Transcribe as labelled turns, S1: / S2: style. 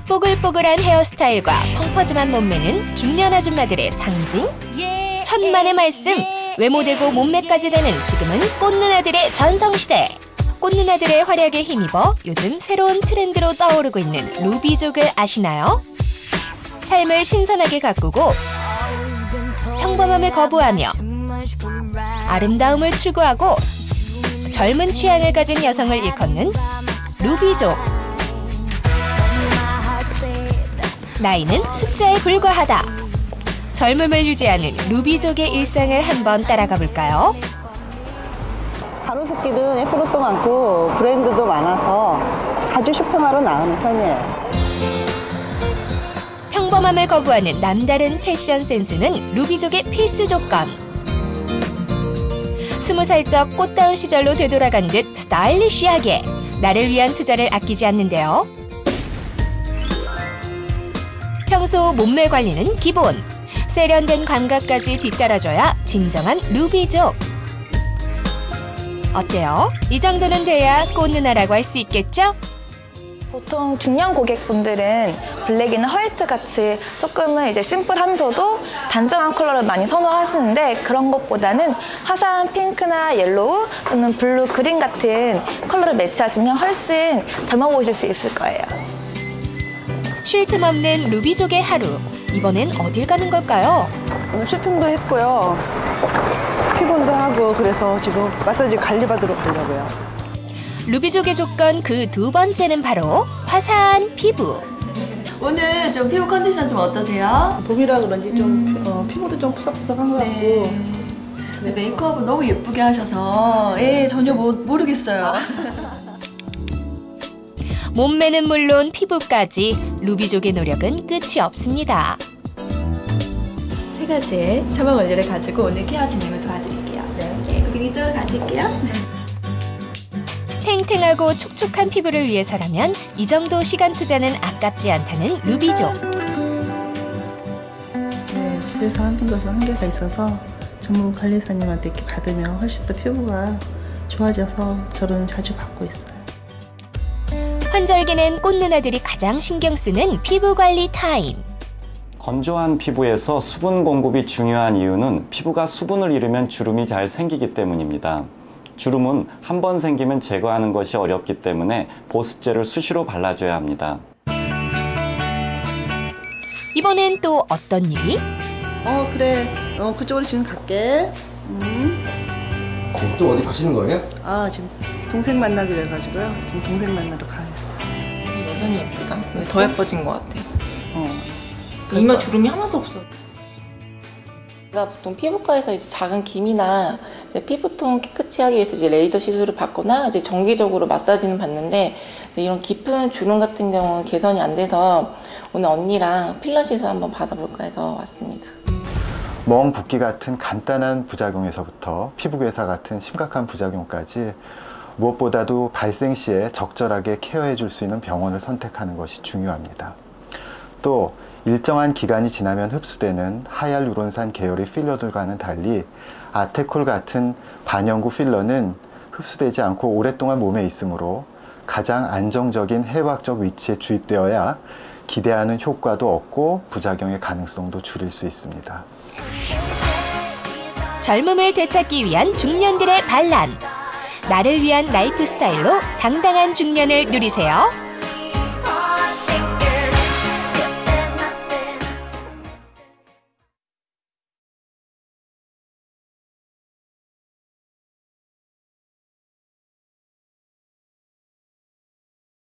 S1: 뽀글뽀글한 헤어스타일과 펑퍼짐한 몸매는 중년 아줌마들의 상징? 천만의 말씀! 외모되고 몸매까지 되는 지금은 꽃누나들의 전성시대! 꽃누나들의 활약에 힘입어 요즘 새로운 트렌드로 떠오르고 있는 루비족을 아시나요? 삶을 신선하게 가꾸고 평범함을 거부하며 아름다움을 추구하고 젊은 취향을 가진 여성을 일컫는 루비족. 나이는 숫자에 불과하다. 젊음을 유지하는 루비족의 일상을 한번 따라가 볼까요?
S2: 가로수길은 예쁜 것도 많고 브랜드도 많아서 자주 쇼핑하러 나가는 편이에요.
S1: 평범함을 거부하는 남다른 패션 센스는 루비족의 필수 조건. 20살적 꽃다운 시절로 되돌아간 듯 스타일리시하게 나를 위한 투자를 아끼지 않는데요. 평소 몸매 관리는 기본. 세련된 감각까지 뒤따라줘야 진정한 루비족. 어때요? 이 정도는 돼야 꽃누나라고 할 수 있겠죠?
S3: 보통 중년 고객분들은 블랙이나 화이트 같이 조금은 이제 심플하면서도 단정한 컬러를 많이 선호하시는데 그런 것보다는 화사한 핑크나 옐로우 또는 블루, 그린 같은 컬러를 매치하시면 훨씬 젊어 보이실 수 있을 거예요.
S1: 쉴 틈 없는 루비족의 하루. 이번엔 어딜 가는 걸까요?
S2: 오늘 쇼핑도 했고요. 피곤도 하고 그래서 지금 마사지 관리받으러 가려고요.
S1: 루비족의 조건 그 두 번째는 바로 화사한 피부.
S4: 오늘 좀 피부 컨디션 좀 어떠세요?
S2: 봄이라 그런지 좀 피부도 좀 푸석푸석한 것 같고.
S4: 네, 메이크업을 너무 예쁘게 하셔서 전혀 모르겠어요.
S1: 몸매는 물론 피부까지 루비족의 노력은 끝이 없습니다.
S4: 3가지의 처방 원료를 가지고 오늘 케어 진행을 도와드릴게요. 네, 고객님 이쪽으로 가실게요.
S1: 탱탱하고 촉촉한 피부를 위해서라면 이 정도 시간 투자는 아깝지 않다는 루비족.
S2: 네, 집에서 하는 것은 한계가 있어서 전문 관리사님한테 이렇게 받으면 훨씬 더 피부가 좋아져서 저는 자주 받고 있어요.
S1: 환절기는 꽃누나들이 가장 신경 쓰는 피부 관리 타임.
S5: 건조한 피부에서 수분 공급이 중요한 이유는 피부가 수분을 잃으면 주름이 잘 생기기 때문입니다. 주름은 한 번 생기면 제거하는 것이 어렵기 때문에 보습제를 수시로 발라줘야 합니다.
S1: 이번엔 또 어떤 일이?
S2: 그래. 그쪽으로 지금 갈게.
S6: 또 어디 가시는 거예요?
S2: 지금 동생 만나기로 해가지고요. 지금 동생 만나러 가요.
S7: 여전히 예쁘다. 더 예뻐진 것 같아. 이마 주름이 하나도 없어.
S3: 제가 보통 피부과에서 이제 작은 기미나 피부톤 깨끗이 하기 위해서 이제 레이저 시술을 받거나 이제 정기적으로 마사지는 받는데 이런 깊은 주름 같은 경우는 개선이 안 돼서 오늘 언니랑 필러 시술 한번 받아볼까 해서 왔습니다.
S8: 멍 붓기 같은 간단한 부작용에서부터 피부괴사 같은 심각한 부작용까지 무엇보다도 발생 시에 적절하게 케어해 줄 수 있는 병원을 선택하는 것이 중요합니다. 또 일정한 기간이 지나면 흡수되는 하이알루론산 계열의 필러들과는 달리 아테콜 같은 반영구 필러는 흡수되지 않고 오랫동안 몸에 있으므로 가장 안정적인 해부학적 위치에 주입되어야 기대하는 효과도 얻고 부작용의 가능성도 줄일 수 있습니다.
S1: 젊음을 되찾기 위한 중년들의 반란. 나를 위한 라이프 스타일로 당당한 중년을 누리세요.